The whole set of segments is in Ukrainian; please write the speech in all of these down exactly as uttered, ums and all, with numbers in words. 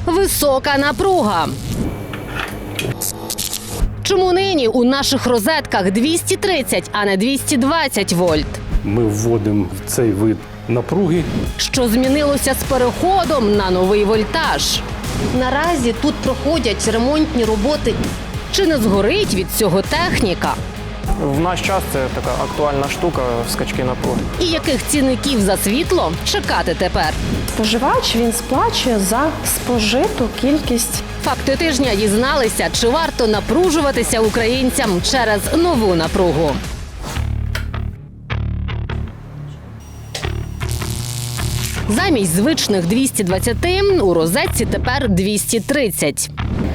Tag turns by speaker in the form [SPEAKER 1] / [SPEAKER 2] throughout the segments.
[SPEAKER 1] Висока напруга. Чому нині у наших розетках двісті тридцять, а не двісті двадцять вольт?
[SPEAKER 2] Ми вводимо в цей вид напруги.
[SPEAKER 1] Що змінилося з переходом на новий вольтаж? Наразі тут проходять ремонтні роботи. Чи не згорить від цього техніка?
[SPEAKER 3] В наш час це така актуальна штука – скачки напруги.
[SPEAKER 1] І яких цінників за світло чекати тепер?
[SPEAKER 4] Споживач, він сплачує за спожиту кількість.
[SPEAKER 1] Факти тижня дізналися, чи варто напружуватися українцям через нову напругу. Замість звичних двісті двадцять у розетці тепер двісті тридцять.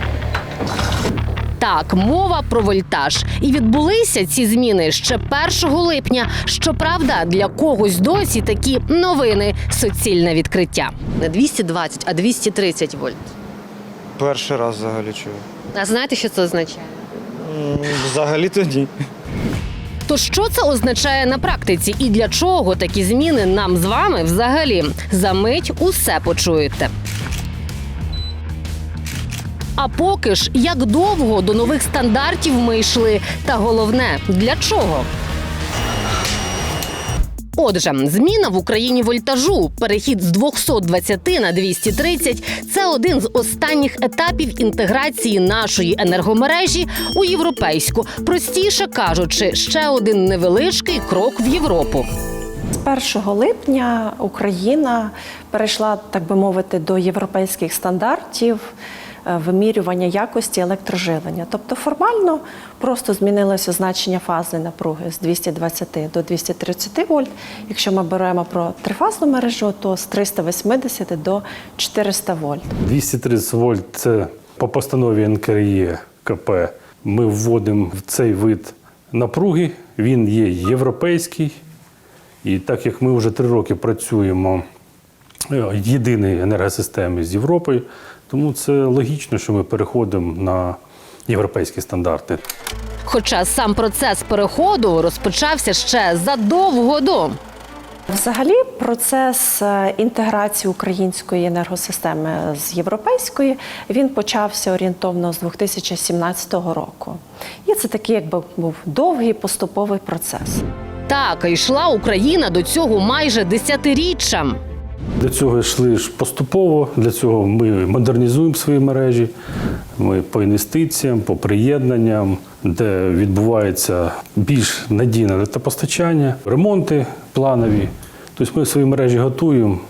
[SPEAKER 1] Так, мова про вольтаж. І відбулися ці зміни ще першого липня. Щоправда, для когось досі такі новини – суцільне відкриття. Не двісті двадцять, а двісті тридцять вольт.
[SPEAKER 5] Перший раз взагалі чую.
[SPEAKER 1] А знаєте, що це означає?
[SPEAKER 5] Взагалі тоді.
[SPEAKER 1] То що це означає на практиці і для чого такі зміни нам з вами взагалі? За мить усе почуєте. А поки ж, як довго до нових стандартів ми йшли? Та головне, для чого? Отже, зміна в Україні вольтажу, перехід з двохсот двадцяти на двісті тридцять – це один з останніх етапів інтеграції нашої енергомережі у європейську. Простіше кажучи, ще один невеличкий крок в Європу.
[SPEAKER 4] З першого липня Україна перейшла, так би мовити, до європейських стандартів вимірювання якості електроживлення. Тобто формально просто змінилося значення фазної напруги з двохсот двадцяти до двохсот тридцяти вольт. Якщо ми беремо про трифазну мережу, то з триста вісімдесят до чотириста вольт.
[SPEAKER 2] двісті тридцять вольт – це по постанові ен ка ре е ка пе. Ми вводимо в цей вид напруги. Він є європейський. І так як ми вже три роки працюємо в єдиній енергосистемі з Європою, тому це логічно, що ми переходимо на європейські стандарти.
[SPEAKER 1] Хоча сам процес переходу розпочався ще задовго до.
[SPEAKER 4] Взагалі, процес інтеграції української енергосистеми з європейської, він почався орієнтовно з дві тисячі сімнадцятого року. І це такий, якби, був довгий поступовий процес.
[SPEAKER 1] Так, йшла Україна до цього майже десятиріччям.
[SPEAKER 2] До цього йшли ж поступово, для цього ми модернізуємо свої мережі, ми по інвестиціям, по приєднанням, де відбувається більш надійне електропостачання, ремонти планові. Тобто ми свої мережі готуємо.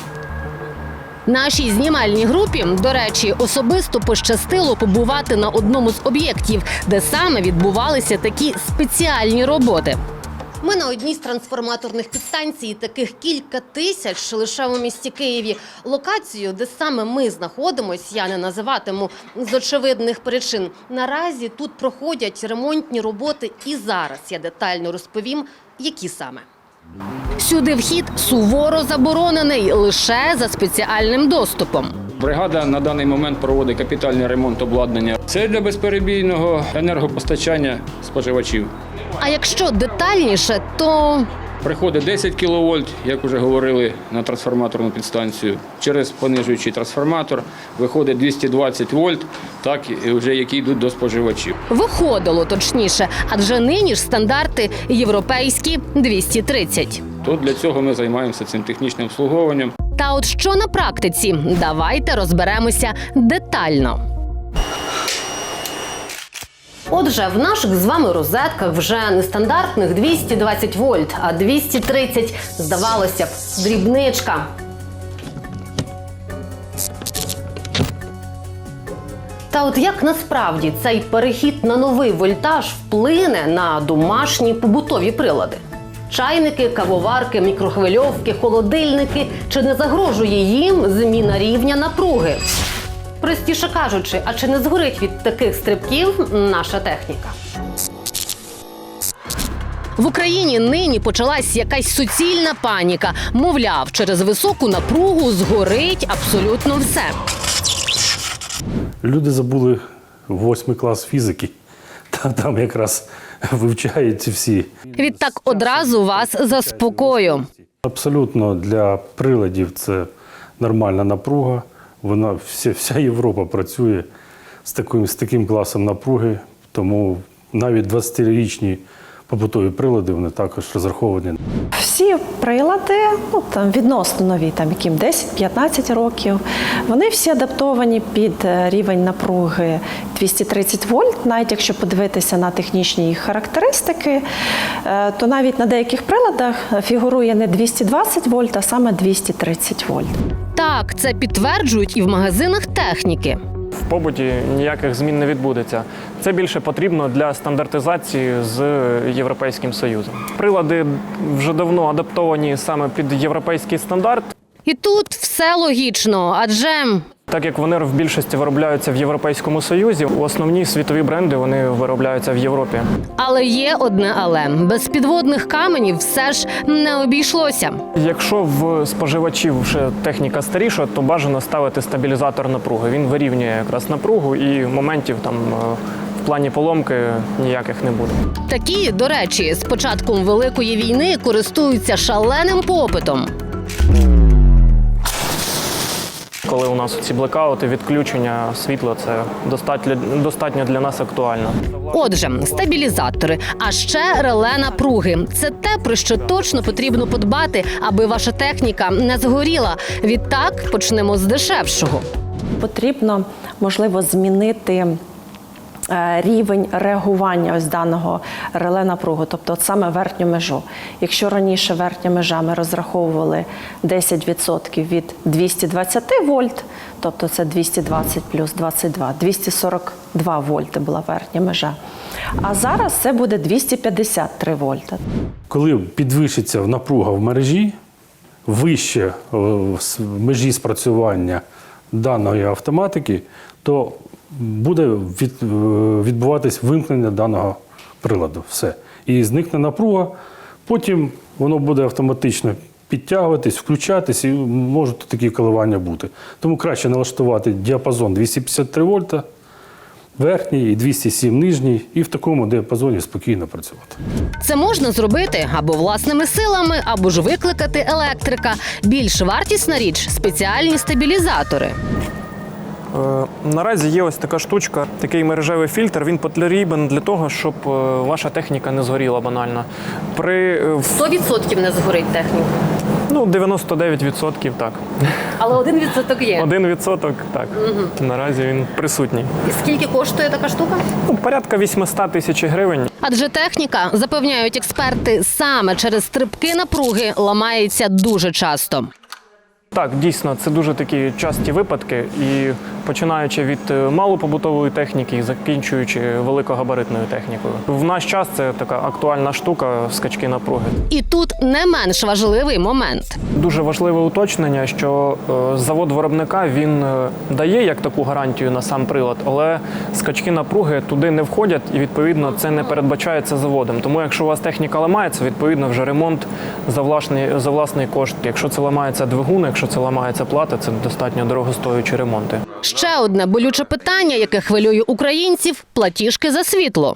[SPEAKER 1] Нашій знімальній групі, до речі, особисто пощастило побувати на одному з об'єктів, де саме відбувалися такі спеціальні роботи. Ми на одній з трансформаторних підстанцій, таких кілька тисяч лише у місті Києві. Локацію, де саме ми знаходимося, я не називатиму з очевидних причин. Наразі тут проходять ремонтні роботи і зараз я детально розповім, які саме. Сюди вхід суворо заборонений лише за спеціальним доступом.
[SPEAKER 6] Бригада на даний момент проводить капітальний ремонт обладнання. Це для безперебійного енергопостачання споживачів.
[SPEAKER 1] А якщо детальніше, то
[SPEAKER 6] Приходить десять кіловольт, як вже говорили, на трансформаторну підстанцію. Через понижуючий трансформатор виходить двісті двадцять вольт, так, вже які йдуть до споживачів.
[SPEAKER 1] Виходило точніше, адже нині ж стандарти європейські двісті тридцять.
[SPEAKER 6] То для цього ми займаємося цим технічним обслуговуванням.
[SPEAKER 1] Та от що на практиці? Давайте розберемося детально. Отже, в наших з вами розетках вже не стандартних двісті двадцять вольт, а двісті тридцять, здавалося б, дрібничка. Та от як насправді цей перехід на новий вольтаж вплине на домашні побутові прилади? Чайники, кавоварки, мікрохвильовки, холодильники. Чи не загрожує їм зміна рівня напруги? Простіше кажучи, а чи не згорить від таких стрибків наша техніка? В Україні нині почалась якась суцільна паніка. Мовляв, через високу напругу згорить абсолютно все.
[SPEAKER 2] Люди забули восьмий клас фізики. Там якраз вивчають ці всі.
[SPEAKER 1] Відтак одразу вас заспокою.
[SPEAKER 2] Абсолютно для приладів це нормальна напруга. Вона вся, вся Європа працює з таким, з таким класом напруги, тому навіть двадцятирічні побутові прилади вони також розраховані.
[SPEAKER 4] Всі прилади, ну там відносно нові, там яким десять-п'ятнадцять років, вони всі адаптовані під рівень напруги двісті тридцять вольт. Навіть якщо подивитися на технічні їх характеристики, то навіть на деяких приладах фігурує не двісті двадцять вольт, а саме двісті тридцять вольт.
[SPEAKER 1] Так, це підтверджують і в магазинах техніки.
[SPEAKER 3] В побуті ніяких змін не відбудеться. Це більше потрібно для стандартизації з Європейським Союзом. Прилади вже давно адаптовані саме під європейський стандарт.
[SPEAKER 1] І тут все логічно, адже
[SPEAKER 3] Так як вони в більшості виробляються в Європейському Союзі, основні світові бренди вони виробляються в Європі.
[SPEAKER 1] але є одне але. Без підводних каменів все ж не обійшлося.
[SPEAKER 3] Якщо в споживачів вже техніка старіша, то бажано ставити стабілізатор напруги. Він вирівнює якраз напругу і моментів там в плані поломки ніяких не буде.
[SPEAKER 1] Такі, до речі, з початком Великої війни користуються шаленим попитом.
[SPEAKER 3] Коли у нас ці блекаути, відключення світла, це достатньо, достатньо для нас актуально.
[SPEAKER 1] Отже, стабілізатори, а ще реле напруги. Це те, про що точно потрібно подбати, аби ваша техніка не згоріла. Відтак почнемо з дешевшого.
[SPEAKER 4] Потрібно, можливо, змінити рівень реагування ось даного реле напруги, тобто от саме верхню межу. Якщо раніше верхня межа ми розраховували десять відсотків від двісті двадцять вольт, тобто це двісті двадцять плюс двадцять два, двісті сорок два вольти була верхня межа. А зараз це буде двісті п'ятдесят три вольта.
[SPEAKER 2] Коли підвищиться напруга в мережі, вище в межі спрацювання даної автоматики, то буде від, відбуватись вимкнення даного приладу. Все. І зникне напруга, потім воно буде автоматично підтягуватись, включатись, і можуть такі коливання бути. Тому краще налаштувати діапазон двісті п'ятдесят три вольта, верхній і двісті сім нижній, і в такому діапазоні спокійно працювати.
[SPEAKER 1] Це можна зробити або власними силами, або ж викликати електрика. Більш вартісна річ – спеціальні стабілізатори.
[SPEAKER 3] Е, Наразі є ось така штучка, такий мережевий фільтр. Він потрібен для того, щоб е, ваша техніка не згоріла банально. При е, в-
[SPEAKER 1] сто відсотків не згорить техніка.
[SPEAKER 3] ну, дев'яносто дев'ять відсотків так.
[SPEAKER 1] Але один відсоток є.
[SPEAKER 3] Один відсоток так. Наразі він присутній.
[SPEAKER 1] І скільки коштує така штука?
[SPEAKER 3] Ну, порядка вісімсот тисяч гривень.
[SPEAKER 1] Адже техніка, запевняють експерти, саме через стрибки напруги ламається дуже часто.
[SPEAKER 3] Так, дійсно, це дуже такі часті випадки, і починаючи від е, малопобутової техніки і закінчуючи великогабаритною технікою. В наш час це така актуальна штука – скачки напруги.
[SPEAKER 1] І тут не менш важливий момент.
[SPEAKER 3] Дуже важливе уточнення, що е, завод виробника він е, дає як таку гарантію на сам прилад, але скачки напруги туди не входять, і відповідно це не передбачається заводом. Тому якщо у вас техніка ламається, відповідно вже ремонт за власний, за власний кошт. Якщо це ламається двигун, якщо це ламається плата, це достатньо дорогостоючі ремонти.
[SPEAKER 1] Ще одне болюче питання, яке хвилює українців – платіжки за світло.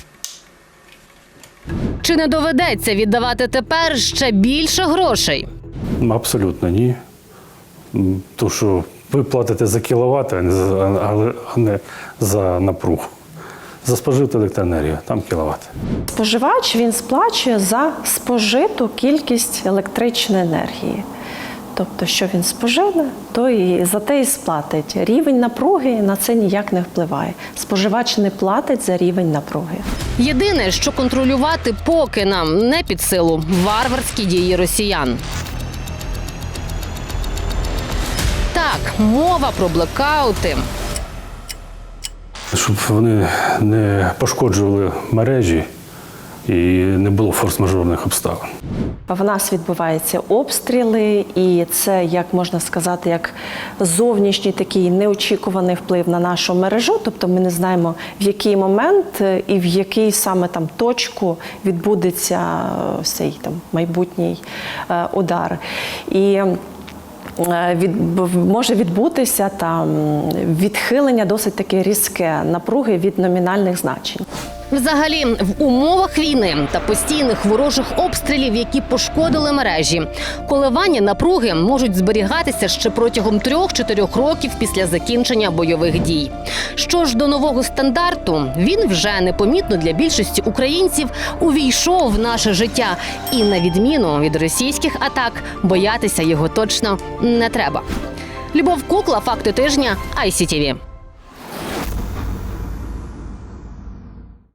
[SPEAKER 1] Чи не доведеться віддавати тепер ще більше грошей?
[SPEAKER 2] Абсолютно ні. Тому що ви платите за кіловат, а не за, а не за напругу. За спожиту електроенергію, там кіловат.
[SPEAKER 4] Споживач, він сплачує за спожиту кількість електричної енергії. Тобто, що він споживе, то і за те і сплатить. Рівень напруги на це ніяк не впливає. Споживач не платить за рівень напруги.
[SPEAKER 1] Єдине, що контролювати поки нам не під силу – варварські дії росіян. Так, мова про блекаути.
[SPEAKER 2] Щоб вони не пошкоджували мережі і не було форс-мажорних обставин.
[SPEAKER 4] В нас відбуваються обстріли, і це, як можна сказати, як зовнішній такий неочікуваний вплив на нашу мережу. Тобто ми не знаємо, в який момент і в який саме там точку відбудеться цей там майбутній е, удар. І Від, може відбутися там відхилення досить таке різке напруги від номінальних значень.
[SPEAKER 1] Взагалі, в умовах війни та постійних ворожих обстрілів, які пошкодили мережі, коливання напруги можуть зберігатися ще протягом трьох-чотирьох років після закінчення бойових дій. Що ж до нового стандарту, він вже непомітно для більшості українців увійшов в наше життя. І на відміну від російських атак, боятися його точно не треба. Любов Кукла, факти тижня, ай сі ті ві.